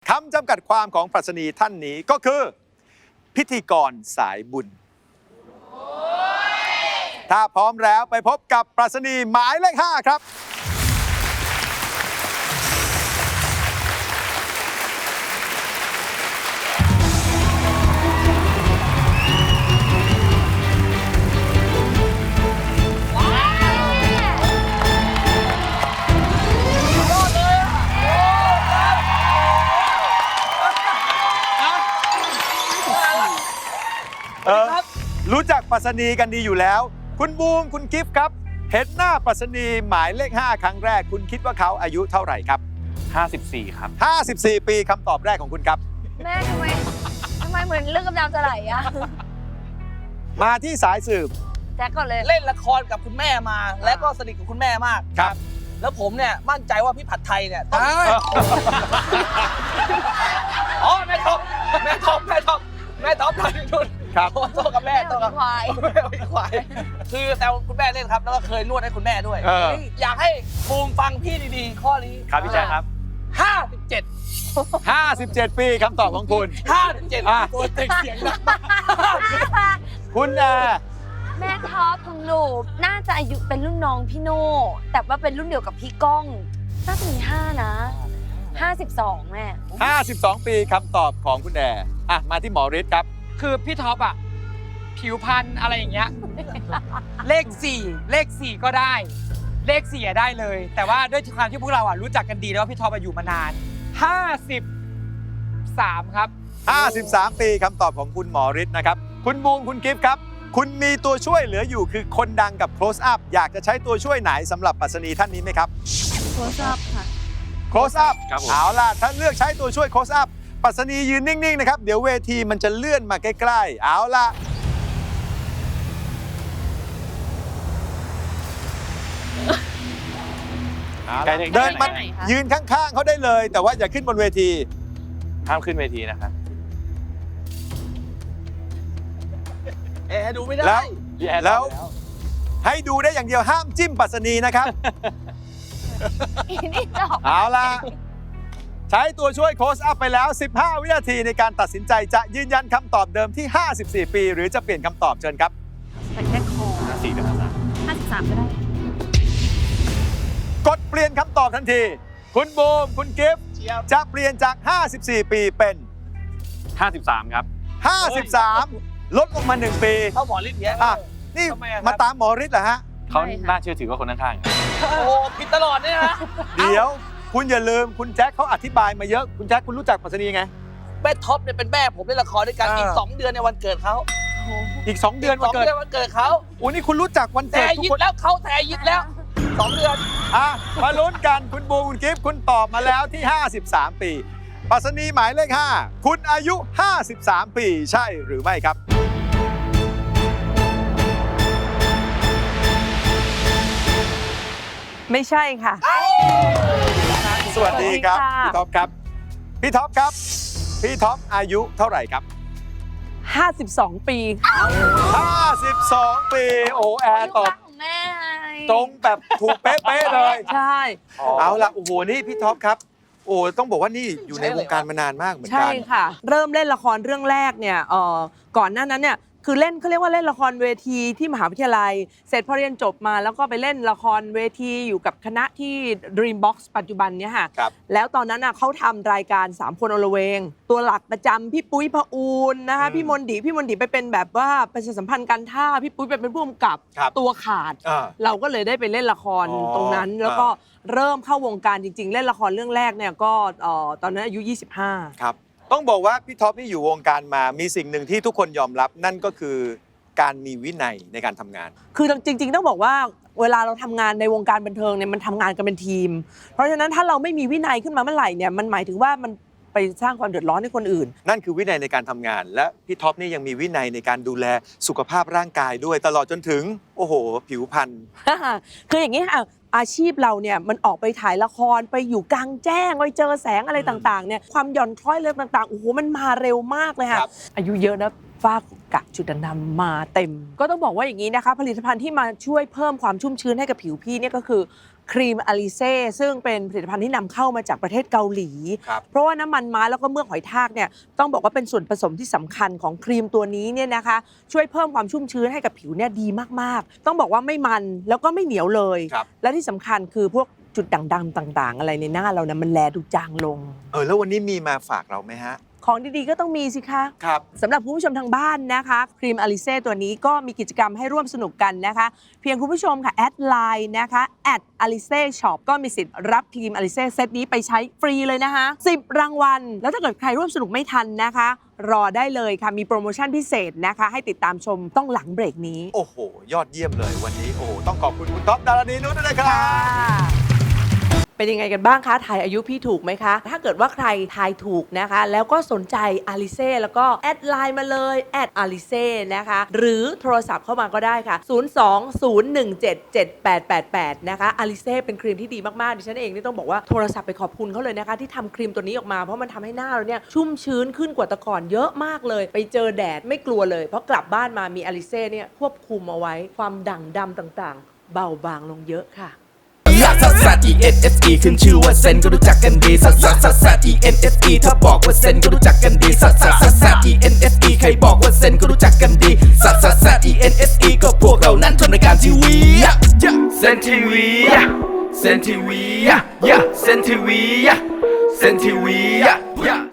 คำจำกัดความของปรัชนีท่านนี้ก็คือ พิธีกรสายบุญ ถ้าพร้อมแล้วไปพบกับปรัชนีหมายเลข 5 ครับรู้จักปรัชนีกันดีอยู่แล้ว คุณบูมคุณกิฟต์ครับ เห็นหน้าปรัชนีหมายเลข 5 ครั้งแรกคุณคิดว่าเขาอายุเท่าไหร่ครับ 54 ครับ 54 ปีคำตอบแรกของคุณครับแม่ทำไมเหมือนเรื่องกำลังจะไหลอะมาที่สายสืบแจ็คก่อนเลยเล่นละครกับคุณแม่มา และก็สนิทกับคุณแม่มากครับแล้วผมเนี่ยมั่นใจว่าพี่ผัดไทยเนี่ยต้องอ๋อแม่ท็อปทำนุ่นครับโตกับแม่โตกับควายแม่อีควายคือแต่คุณแม่เล่นครับแล้วก็เคยนวดให้คุณแม่ด้วย อยากให้บูมฟังพี่ดีๆ ข้อนี้ครับพี่แจ๊คครับ 57 57 ปีคำตอบของคุณ 57ตัวเต็งเสียงดังมากคุณแอร์แม่ท็อปของหนูน่าจะอายุเป็นรุ่นน้องพี่โน่แต่ว่าเป็นรุ่นเดียวกับพี่ก้องน่าจะมี5 นะ 52 แม่ 52 ปีคำตอบของคุณแอร์มาที่หมอฤทธิ์ครับคือพี่ท็อปอะผิวพรรณอะไรอย่างเงี้ย เลข 4 ก็ได้ เลข 4ได้เลย แต่ว่าด้วยความที่พวกเราอะรู้จักกันดีแล้วว่าพี่ท็อปอยู่มานาน 53 ครับ 53 ปีคำตอบของคุณหมอฤทธิ์นะครับ คุณบูมคุณกิฟต์ครับ คุณมีตัวช่วยเหลืออยู่คือคนดังกับ close up อยากจะใช้ตัวช่วยไหนสำหรับปรัชนีท่านนี้ไหมครับ close up ค่ะ close up ครับผมเอาล่ะถ้าเลือกใช้ตัวช่วย close up ปรัชนียืนนิ่ง ๆ นะครับ เดี๋ยวเวทีมันจะเลื่อนมาใกล้ ๆ เอาล่ะ เดินมายืนข้าง ๆ เขาได้เลย แต่ว่าอย่าขึ้นบนเวทีห้ามขึ้นเวทีนะครับดูไม่ได้แล้วให้ดูได้อย่างเดียวห้ามจิ้มปรัชนีนะครับนี่จบเอาล่ะ ใช้ตัวช่วยโค้ชอัพไปแล้ว 15 วินาทีในการตัดสินใจจะยืนยันคำตอบเดิมที่ 54 ปี หรือจะเปลี่ยนคำตอบเชิญครับแต่แค่คอ 4กับ53 53 ก็ได้กดเปลี่ยนคำตอบทันที คุณบูมคุณกิฟต์จะเปลี่ยนจาก 54 ปีเป็น 53 ครับ 53 ลดลงมา 1 ปีเขาหมอฤทธิ์เนี่ยนี่ทำไมอะครับมาตามหมอฤทธิ์เหรอฮะเขาน่าเชื่อถือกว่าคนข้างๆโอ้โหผิดตลอดเนี่ยนะเดี๋ยวคุณอย่าลืมคุณแจ็คเขาอธิบายมาเยอะ คุณแจ็คคุณรู้จักปรัชนีไงแม่ท็อปเนี่ยเป็นแม่ผมเล่นละครด้วยกันอีก 2 เดือนในวันเกิดเขาอีก 2 เดือนวันเกิดวันเกิดเขาโอ้นี่คุณรู้จักวันแต่เกิดทุกยิดคนแล้วเขาแต่ยิดแล้ว 2 เดือนมาลุ้นกันคุณบูมคุณกิฟต์คุณตอบมาแล้วที่ 53 ปีปรัชนีหมายเลข 5 คุณอายุ 53 ปีใช่หรือไม่ครับไม่ใช่ค่ะสวัสดีครับสวัสดีค่ะพี่ท็อปครับ พี่ท็อปครับ พี่ท็อปอายุเท่าไหร่ครับ 52 ปีค่ะ 52 ปี โอ้แอร์ตอบของแม่ไงตรงแบบถูกเป๊ะๆเลยใช่เอาล่ะ โอ้โห นี่พี่ท็อปครับ โอ้ต้องบอกว่านี่อยู่ในวงการมานานมากเหมือนใช่กันค่ะ เริ่มเล่นละครเรื่องแรกเนี่ยก่อนหน้านั้นเนี่ยคือเล่นเขาเรียกว่าเล่นละครเวทีที่มหาวิทยาลัย เสร็จพอเรียนจบมาแล้วก็ไปเล่นละครเวทีอยู่กับคณะที่ Dreambox ปัจจุบันเนี่ยค่ะครับแล้วตอนนั้นเขาทำรายการ3 คนอลเวง ตัวหลักประจำพี่ปุ้ยพะอูนนะคะพี่มนดีไปเป็นแบบว่าประชาสัมพันธ์การท่าพี่ปุ้ยไปเป็นผู้กำกับครับตัวขาดอ่าเราก็เลยได้ไปเล่นละครอ๋อตรงนั้น แล้วก็เริ่มเข้าวงการจริง ๆ เล่นละครเรื่องแรกเนี่ยก็ตอนนั้นอายุ 25 ครับ ต้องบอกว่าพี่ท็อปนี่อยู่วงการมา มีสิ่งหนึ่งที่ทุกคนยอมรับ นั่นก็คือการมีวินัยในการทำงานคือจริงๆต้องบอกว่าเวลาเราทำงานในวงการบันเทิงเนี่ยมันทำงานกันเป็นทีม เพราะฉะนั้นถ้าเราไม่มีวินัยขึ้นมาเมื่อไหร่เนี่ยมันหมายถึงว่ามันไปสร้างความเดือดร้อนให้คนอื่นนั่นคือวินัยในการทำงาน และพี่ท็อปนี่ยังมีวินัยในการดูแลสุขภาพร่างกายด้วยตลอดจนถึง โอ้โห ผิวพรรณคืออย่างนี้ค่ะอาชีพเราเนี่ยมันออกไปถ่ายละครไปอยู่กลางแจ้งไปเจอแสงอะไรต่างๆเนี่ยความหย่อนคล้อยเรื่องต่างๆโอ้โหมันมาเร็วมากเลยค่ะครับอายุเยอะนะฝ้ากระจุดด่างๆมาเต็ม ก็ต้องบอกว่าอย่างนี้นะคะผลิตภัณฑ์ที่มาช่วยเพิ่มความชุ่มชื้นให้กับผิวพี่เนี่ยก็คือครีมอลิเซ่ซึ่งเป็นผลิตภัณฑ์ที่นำเข้ามาจากประเทศเกาหลีครับเพราะว่าน้ำมันม้าแล้วก็เมือกหอยทากเนี่ยต้องบอกว่าเป็นส่วนผสมที่สำคัญของครีมตัวนี้เนี่ยนะคะช่วยเพิ่มความชุ่มชื้นให้กับผิวเนี่ยดีมากๆต้องบอกว่าไม่มันแล้วก็ไม่เหนียวเลยครับและที่สำคัญคือพวกจุดด่างดำต่างๆ อะไรในหน้าเรานะมันแลดูจางลงแล้ววันนี้มีมาฝากเราไหมฮะของดีๆก็ต้องมีสิคะครับสำหรับคุณผู้ชมทางบ้านนะคะครีมอลิเซ่ตัวนี้ก็มีกิจกรรมให้ร่วมสนุกกันนะคะ เพียงคุณผู้ชมค่ะแอดไลน์นะคะอลิเซ่ช็อปก็มีสิทธิ์รับครีมอลิเซ่เซตนี้ไปใช้ฟรีเลยนะคะ10 รางวัล แล้วถ้าเกิดใครร่วมสนุกไม่ทันนะคะ รอได้เลยค่ะมีโปรโมชั่นพิเศษนะคะ ให้ติดตามชมต้องหลังเบรกนี้โอ้โห ยอดเยี่ยมเลยวันนี้ โอ้โห ต้องขอบคุณคุณท็อปดารณีนุชด้วยนะครับเป็นยังไงกันบ้างคะทายอายุพี่ถูกไหมคะ ถ้าเกิดว่าใครทายถูกนะคะ แล้วก็สนใจอลิเซ่แล้วก็แอดไลน์มาเลยอลิเซ่นะคะ หรือโทรศัพท์เข้ามาก็ได้ค่ะ 020177888 นะคะอลิเซ่เป็นครีมที่ดีมากๆดิฉันเองนี่ต้องบอกว่าโทรศัพท์ไปขอบคุณเขาเลยนะคะ ที่ทำครีมตัวนี้ออกมาเพราะมันทำให้หน้าเราเนี่ยชุ่มชื้นขึ้นกว่าแต่ก่อนเยอะมากเลย ไปเจอแดดไม่กลัวเลยเพราะกลับบ้านมามีอลิเซ่เนี่ยควบคุมเอาไว้ความด่างดำต่างๆ เบาบางลงเยอะค่ะลักซัสซัส E-N-S-E ขึ้นชื่อว่าเซนก็รู้จักกันดีซัสซัสซัสซัส E-N-S-E ถ้าบอกว่าเซนก็รู้จักกันดีซัสซัสซัสซัส E-N-S-E ใครบอกว่าเซนก็รู้จักกันดีซัสซัสซัส E-N-S-E ก็พวกเรานั้นทำรายการทีวีเซนทีวีเซนทีวีเซนทีวีเซนทีวี